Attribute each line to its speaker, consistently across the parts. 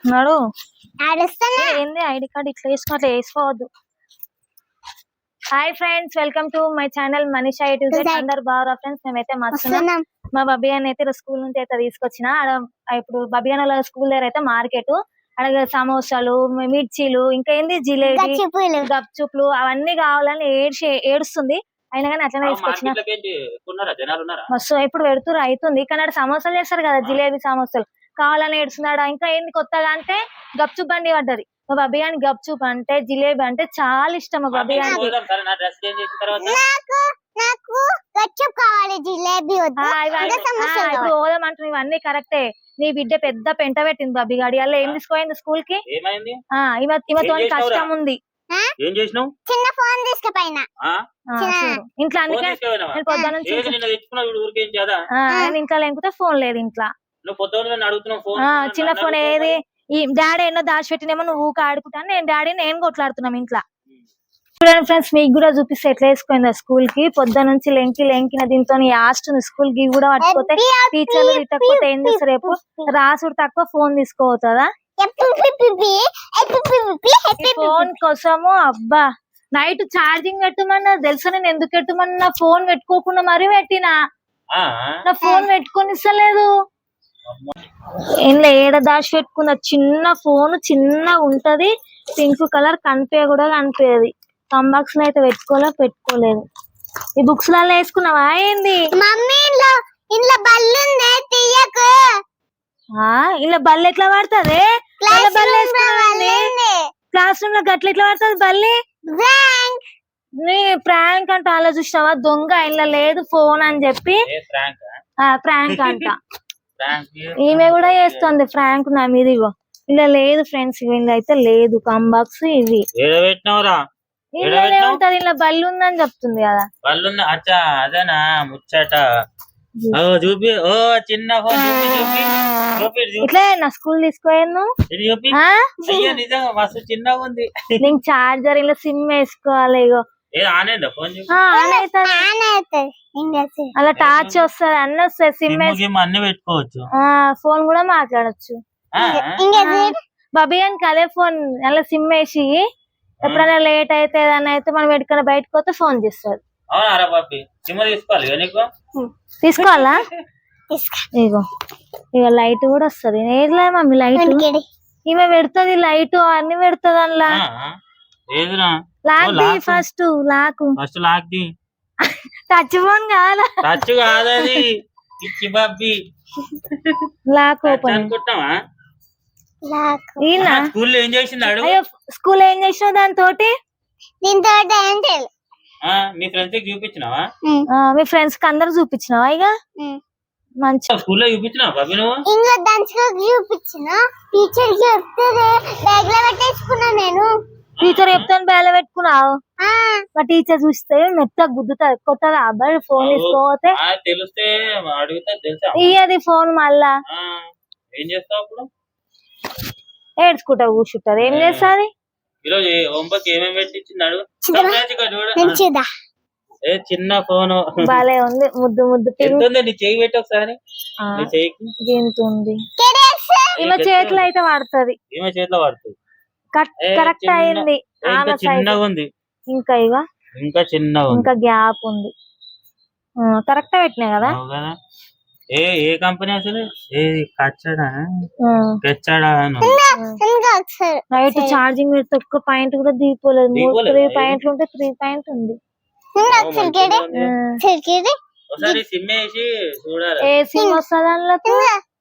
Speaker 1: నడు ఏంది ID card ఇట్లా వేసుకో అట్లా వేసుకోవద్దు. Hi friends, welcome to my channel Manisha YouTube. అందరు బాగా ఫ్రెండ్స్, మేమైతే మస్తున్నాం. మా బబ్బీ అని అయితే స్కూల్ నుంచి అయితే తీసుకొచ్చిన. ఇప్పుడు బబ్బీ అని వాళ్ళ స్కూల్ దగ్గర అయితే మార్కెట్, అలాగే సమోసాలు, మిర్చీలు, ఇంకా ఏంది జిలేబీ, గప్చుప్లు అవన్నీ కావాలని ఏడుస్తుంది. అయినా కానీ అట్లనే తీసుకొచ్చిన. మస్తు ఇప్పుడు పెడుతురు అవుతుంది, కానీ అక్కడ సమోసాలు చేస్తారు కదా, జిలేబీ సమోసాలు కావాలని ఏడుస్తున్నాడు. ఇంకా ఏంది కొత్తగా అంటే గప్చుప్ బండి పడ్డది. మా బబ్బీ గాని గప్చుప్ అంటే జిలేబీ అంటే చాలా ఇష్టం. మా బబ్బీ గాని ఇప్పుడు పోదాం అంటున్నా. ఇవన్నీ కరెక్టే. నీ బిడ్డ పెద్ద పెంట పెట్టింది బబ్బీ గాడి. అలా ఏం తీసుకోయింది స్కూల్ కి? ఈమెతో కష్టం ఉంది.
Speaker 2: చిన్న ఫోన్ తీసుకుపోయినా
Speaker 1: ఇంట్లో, అందుకే పొద్దున నుంచి ఇంట్లో లేకపోతే ఫోన్ లేదు ఇంట్లో. చిన్న ఫోన్ ఏది ఈ డాడీ ఎన్నో దాచిపెట్టినేమో నువ్వు ఊక ఆడుకుంటాను, నేను కొట్లాడుతున్నాం ఇంట్లో. చూడండి ఫ్రెండ్స్, మీకు కూడా చూపిస్తే ఎట్లా వేసుకుందా స్కూల్ కి. పొద్దు నుంచి లెంకిన దీంతో లాస్ట్ స్కూల్ కి కూడా పట్టుకోతే టీచర్లు తిట్టకపోతే ఏం చేస్తారు? రేపు రాసుడు తక్కువ ఫోన్ తీసుకోవద్దా? ఫోన్ కోసము అబ్బా నైట్ ఛార్జింగ్ పెట్టమన్నా తెలుసా? నేను ఎందుకు పెట్టమన్నా ఫోన్ పెట్టుకోకుండా మరీ పెట్టినా. నా ఫోన్ పెట్టుకొని ఇస్తలేదు. ఇంట్లో ఏడ దాచి పెట్టుకున్న చిన్న ఫోన్ చిన్నగా ఉంటది, పింక్ కలర్, కూడా కనిపించదు. కంబాక్స్ లో అయితే పెట్టుకోలేదు. ఈ బుక్స్ లలో వేసుకున్నావా ఏంది? ఇలా బల్లి ఎట్లా పడుతుంది? క్లాస్ రూమ్ లో గట్ల ఎట్లా పడుతుంది బల్లి? నీ ప్రాంక్ అంట ఆలోచిస్తావా? దొంగ ఇలా లేదు ఫోన్ అని చెప్పి ప్రాంక్ అంట. ఈమె కూడా చేస్తుంది ఫ్రాంక్ నా మీద. ఇగో ఇలా లేదు ఫ్రెండ్స్, ఇలా అయితే లేదు కంబాక్స్. ఇవి ఉంటది, ఇలా బల్లి ఉందని చెప్తుంది కదా.
Speaker 2: అదేనా ముచ్చట? చూపి చిన్న
Speaker 1: ఇట్లా నా స్కూల్ తీసుకోయాను.
Speaker 2: మస్తు చిన్నగా ఉంది.
Speaker 1: నేను చార్జర్ ఇలా సిమ్ వేసుకోవాలి. ఇగో అలా టార్చ్ వస్తుంది, అన్ని వస్తాయి. సిమ్
Speaker 2: అన్ని పెట్టుకోవచ్చు,
Speaker 1: ఫోన్ కూడా మాట్లాడచ్చు. బబ్బీ అని అదే ఫోన్ అలా సిమ్ వేసి ఎప్పుడైనా లేట్ అయితే ఏదైనా అయితే మనం ఎక్కడికైనా బయటకు పోతే ఫోన్ చేస్తారు. తీసుకోవాలా? ఇగో ఇక లైట్ కూడా వస్తుంది. ఏదిలే మమ్మీ లైట్ ఈమె పెడుతుంది, లైట్ అన్ని పెడుతుంది. అందులో lock first lock touch phone కావాలా? Lock open. స్కూల్ ఏం చేసినావు దాంతో?
Speaker 2: మీ చూపించినావా?
Speaker 1: మీ ఫ్రెండ్స్ కి అందరు చూపించినావా? ఇక మంచి
Speaker 2: స్కూల్లో చూపించినావా బాబీ? నువ్వు
Speaker 1: నేను టీచర్ చెప్తాను బేల పెట్టుకున్నావు. మా టీచర్ చూస్తే మెత్త గుద్దుతా కొత్తగా అబ్బాయి ఫోన్ తీసుకోతే
Speaker 2: తెలిస్తే
Speaker 1: ఇయ్యది ఫోన్. మళ్ళా
Speaker 2: ఏం చేస్తావు అప్పుడు?
Speaker 1: ఏడ్చుకుంటా కూర్చుంటారు. ఏం చేస్తాది?
Speaker 2: ఈరోజు హోంవర్క్ ఏమేమి పెట్టించినాడు? చిన్న ఫోన్
Speaker 1: బాలే ఉంది, ముద్దు ముద్దు.
Speaker 2: నీ చేయి పెట్టి ఒకసారి.
Speaker 1: ఉంది ఈమె చేతిలో అయితే పడుతుంది.
Speaker 2: ఈమె చేతిలో పడుతుంది.
Speaker 1: కరెక్ట్ అయింది.
Speaker 2: చిన్నగా ఉంది
Speaker 1: ఇంకా
Speaker 2: ఇంకా చిన్నగా
Speaker 1: ఇంకా గ్యాప్ ఉంది. కరెక్ట్ పెట్టినా కదా.
Speaker 2: ఏ కంపెనీ అసలు?
Speaker 1: నైట్ ఛార్జింగ్ పెడితే ఒక్క పాయింట్ కూడా దిగిపోలేదు. 3 పాయింట్లు ఉంటే 3 పాయింట్ ఉంది. ఏ సిమ్ వస్తుంది అందులోకి?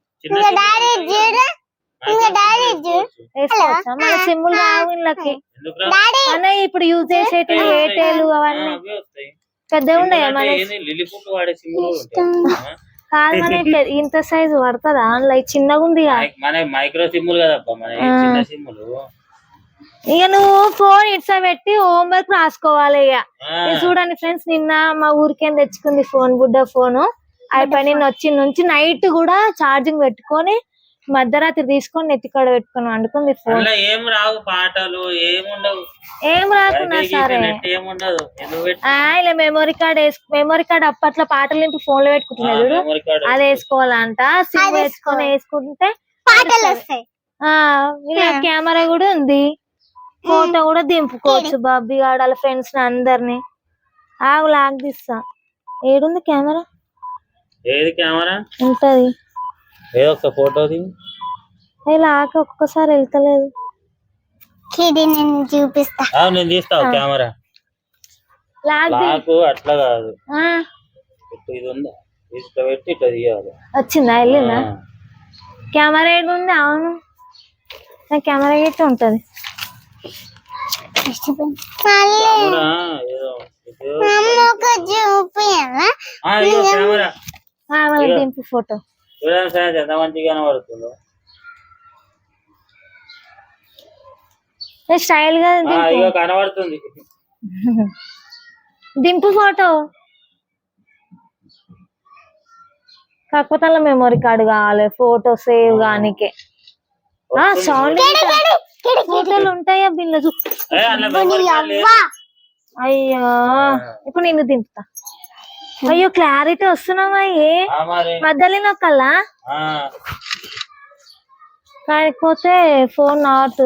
Speaker 1: మన సిమ్ములు రావు ఇళ్ళకి. అన్న ఇప్పుడు యూజ్ చేసేటి ఎయిర్టెల్ అవన్నీ పెద్దగా ఉన్నాయా? మన కాదు, మన ఇంత సైజు పడుతుందా? అందులో చిన్నగా ఉంది.
Speaker 2: మైక్రో సిమ్ములు కదబ్బా మన చిన్న సిమ్ములు.
Speaker 1: ఇక నువ్వు ఫోన్ ఇట్సా పెట్టి హోంవర్క్ రాసుకోవాలి. ఇక చూడండి ఫ్రెండ్స్, నిన్న మా ఊరికేం తెచ్చుకుంది ఫోన్, గుడ్డ ఫోను. అయిపోయి నిన్న వచ్చి నుంచి నైట్ కూడా ఛార్జింగ్ పెట్టుకొని మధ్యరాత్రి తీసుకొని నెత్తికాడ పెట్టుకొని వండుకుంది ఫోన్.
Speaker 2: ఏం రావు పాటలు
Speaker 1: ఏం రాకున్నా సరే ఇలా మెమరీ కార్డ్ అప్పట్లో పాటలు ఇంటి ఫోన్ లో పెట్టుకుంటున్నాడు. అది వేసుకోవాలంట. సిమ్ వేసుకొని వేసుకుంటే
Speaker 3: పాటలు వస్తాయి.
Speaker 1: ఆ ఇలా కెమెరా కూడా ఉంది, ఫోటో కూడా దింపుకోవచ్చు బాబీ గాడు వాళ్ళ ఫ్రెండ్స్ అందరిని. ఆగు లాగ్ తీస్తా. ఏడుంది కెమెరా?
Speaker 2: ఏది కెమెరా
Speaker 1: ఉంటది.
Speaker 2: ఏదో ఒక ఫోటో
Speaker 1: ఇలా ఒక్కసారి వెళ్తలేదు.
Speaker 3: నేను చూపిస్తా.
Speaker 2: నేను తీస్తావు కెమెరా. నాకు అట్లా కాదు, ఇది ఉందా ఇట్లా పెట్టి ఇట్లా తీయాలి.
Speaker 1: వచ్చిందా? వెళ్ళిందా? కెమెరా ఏడు ఉంది? అవును నా కెమెరా గట్టి ఉంటది. దింపు ఫోటో.
Speaker 2: ఎంత మంచిగా కనబడుతుందో.
Speaker 1: స్టైల్ గా
Speaker 2: కనబడుతుంది.
Speaker 1: దింపు ఫోటో. కాకపోతే అలా మెమొరీ కార్డు కావాలి ఫోటో సేవ్ గానికే. సౌండ్ ఫోటోలు ఉంటాయా బిల్ల? అయ్యో ఇప్పుడు నిన్ను దింపుతా. అయ్యో క్లారిటీ వస్తున్నావా? ఏ మధ్యలో నొక్కల్లా? కాకపోతే ఫోన్ నాట్.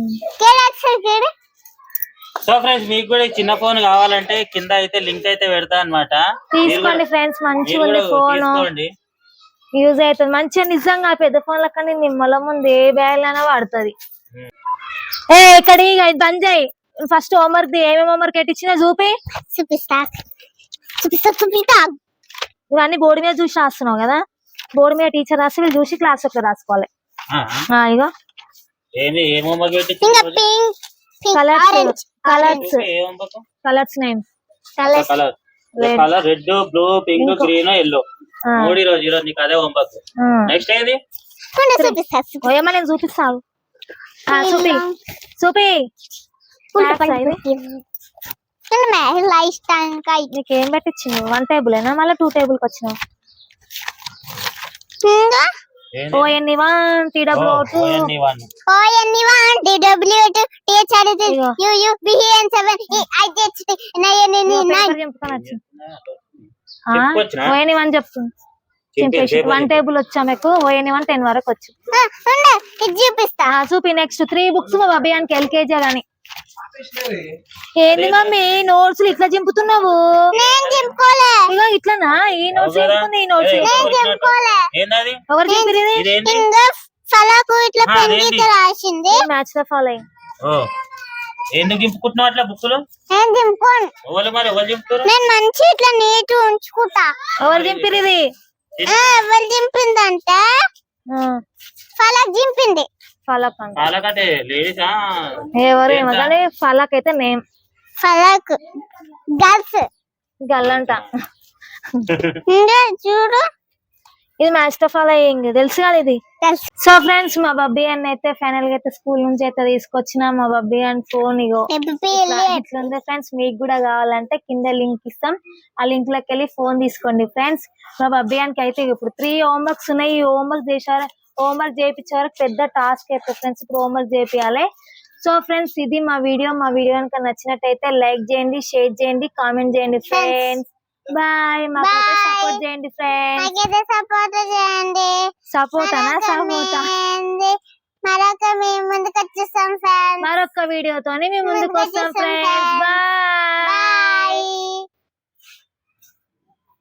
Speaker 2: సో ఫ్రెండ్స్, మీకు కూడా చిన్న ఫోన్ కావాలంటే కింద అయితే లింక్ అయితే పెడతా అన్నమాట.
Speaker 1: తీసుకోండి ఫ్రెండ్స్, మంచిగా ఉంది ఫోన్, యూజ్ అవుతుంది మంచిగా. నిజంగా పెద్ద ఫోన్ లెక్క నిమ్మల ముందు ఏ బ్యాగ్ అయినా వాడుతుంది. ఇక్కడి బంద్ చేయి. ఫస్ట్ హోంవర్క్ ఏమేమి హోంవర్క్ ఎట్టిచ్చినా చూపిస్తా. ఇవన్నీ బోర్డు మీద చూసి రాస్తున్నావు కదా, బోర్డు మీద టీచర్ రాసి వీళ్ళు చూసి క్లాస్ లో రాసుకోవాలి. ఇగో colours name
Speaker 2: red, blue, pink, green, yellow. ఈరోజు నీకు అదే హోంవర్క్. నెక్స్ట్ ఏది
Speaker 1: ఏమో నేను చూపిస్తాను. చూపి నీకేం పెట్టించింది? 1 టేబుల్ ఏనా మళ్ళీ 2 టేబుల్ కి వచ్చినావు? ONE1 TW2 ONE1 చెప్తుంది. 1 టేబుల్ వచ్చా మీకు? ONE1 10 వరకు వచ్చు. చూపిస్తా. చూపి. నెక్స్ట్ 3 బుక్స్ మా అభియానికి LKG గాని. ఏంది మమ్మీ నోట్స్ ఇట్లా చింపుతున్నావు? ఇగో ఇట్లానా? ఈ నోట్స్ చింపుతుంది, ఈ నోట్స్ ఎవరు చింపిరి? Match the following.
Speaker 2: ఎందుకు చింపుకుంటున్నావు అట్లా బుక్కులు?
Speaker 3: నేను మంచి ఇట్లా నీట్ ఉంచుకుంటా.
Speaker 1: ఎవరు చింపిరిది?
Speaker 3: ఎవరు చింపిందంటే ఫలక్ చింపింది.
Speaker 1: ఫలక్
Speaker 2: అంటే లేడీసా?
Speaker 1: ఎవరు ఏమో కానీ ఫలక్ అయితే నేమ్.
Speaker 3: ఫలక్ గర్ల్స్
Speaker 1: గల్లంట.
Speaker 3: చూడు
Speaker 1: ఇది మ్యాచ్ ద ఫాలోయింగ్ తెలుసు కదా ఇది. సో ఫ్రెండ్స్, మా బబ్బీ అని అయితే ఫైనల్ గా అయితే స్కూల్ నుంచి అయితే తీసుకొచ్చిన మా బబ్బీ అని ఫోన్. ఇగో ఇట్లుంది ఫ్రెండ్స్. మీకు కూడా కావాలంటే కింద లింక్ ఇస్తాం, ఆ లింక్ లోకి వెళ్ళి ఫోన్ తీసుకోండి ఫ్రెండ్స్. మా బబ్బీ అనికి అయితే ఇప్పుడు 3 హోంవర్క్స్ ఉన్నాయి. ఈ హోంవర్క్ చేయించే వరకు పెద్ద టాస్క్ అయితే ఫ్రెండ్స్. ఇప్పుడు హోంవర్క్ చేపియాలి. సో ఫ్రెండ్స్, ఇది మా వీడియో కనుక నచ్చినట్టయితే లైక్ చేయండి, షేర్ చేయండి, కామెంట్ చేయండి ఫ్రెండ్స్. బాయ్. మాకైతే సపోర్ట్ చేయండి ఫ్రెండ్స్. సపోర్ట్ మరొక వీడియోతోని మేము ముందుకు వస్తాం ఫ్రెండ్స్. బాయ్.